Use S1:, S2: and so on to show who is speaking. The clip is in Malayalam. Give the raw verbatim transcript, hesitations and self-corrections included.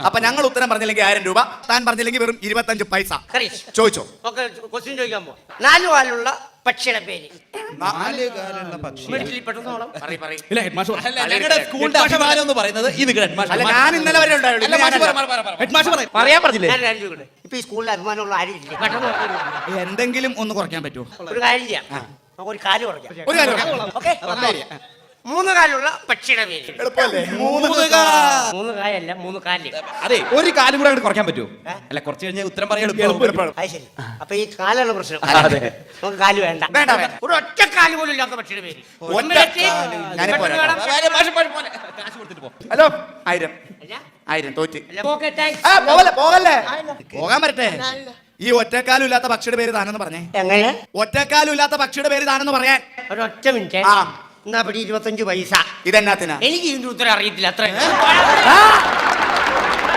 S1: അപ്പൊ ഞങ്ങൾ ഉത്തരം പറഞ്ഞില്ലെങ്കിൽ ആയിരം രൂപ, താൻ പറഞ്ഞില്ലെങ്കിൽ വെറും ഇരുപത്തഞ്ച് പൈസ. ചോദിച്ചോ.
S2: ക്വസ്റ്റ്യൻ ചോദിക്കാൻ പോ. നാലു കാലുള്ള പക്ഷിയുടെ പേര്.
S3: നാല് കാലുള്ള പക്ഷി.
S1: ഇല്ല, ഹെഡ് മാഷ് പറ.
S3: ഞങ്ങളുടെ സ്കൂളിന്റെ അഭിമാനം എന്ന് പറയുന്നത് ഈ ഹെഡ് മാഷ്.
S1: അല്ല, ഞാൻ ഇന്നലെ വരെ ഉണ്ടായിരുന്നു.
S3: ഹെഡ് മാഷ് പറയാൻ പറഞ്ഞില്ലേ?
S2: ഇപ്പൊ ഈ സ്കൂളിൽ അഭിമാനമുള്ള ആരും ഇല്ല.
S1: എന്തെങ്കിലും ഒന്ന് കുറയ്ക്കാൻ പറ്റുമോ?
S2: ഒരു കാര്യം ചെയ്യാം, നമുക്ക് ഒരു കാല് കുറയ്ക്കാം.
S1: ഒരു കാര്യം
S2: ഓക്കെ. മൂന്ന് കാലുള്ള പക്ഷിയുടെ പേര്.
S1: എളുപ്പമല്ലേ?
S3: മൂന്ന് കാ-
S2: മൂന്ന് കായല്ല, മൂന്ന് കാല്.
S3: അതെ, ഒരു കാലും കൂടെ അങ്ങോട്ട് കുറയ്ക്കാൻ പറ്റുമോ? അല്ല, കുറച്ച് കഴിഞ്ഞാൽ ഉത്തരം പറയാൻ
S2: അത് ശരി. അപ്പൊ ഈ കാലാണ് പ്രശ്നം.
S3: അതെ.
S2: നമുക്ക് കാല് വേണ്ട.
S1: വേണ്ട, വേണ്ട.
S2: ഒരു ഒറ്റ കാല് പോലും ഇല്ലാത്ത പക്ഷിയുടെ പേര്.
S1: ഒറ്റ കാല്. ഞാനിപ്പോ വരാം.
S3: കാശ് കൊടുത്തിട്ട് പോ.
S1: ഹലോ, ആയിരം ആയിരം തോറ്റ്.
S2: Okay, thanks.
S1: ആ, പോകല്ലേ പോകല്ലേ പോകാൻ പറ്റട്ടെ. ഈ ഒറ്റക്കാലും ഇല്ലാത്ത പക്ഷിയുടെ പേര് താനെന്ന് പറഞ്ഞേ.
S2: എങ്ങനെ?
S1: ഒറ്റക്കാലും ഇല്ലാത്ത പക്ഷിയുടെ പേര് താനെന്ന് പറയാൻ.
S2: ഒരൊറ്റ മിനിറ്റ്.
S1: ആ,
S2: എന്നാ പിടി ഇരുപത്തഞ്ച് പൈസ.
S1: ഇതെന്നാത്തിനാ?
S2: എനിക്ക് ഇതിന്റെ ഉത്തരം അറിയത്തില്ല. അത്ര
S1: ആ,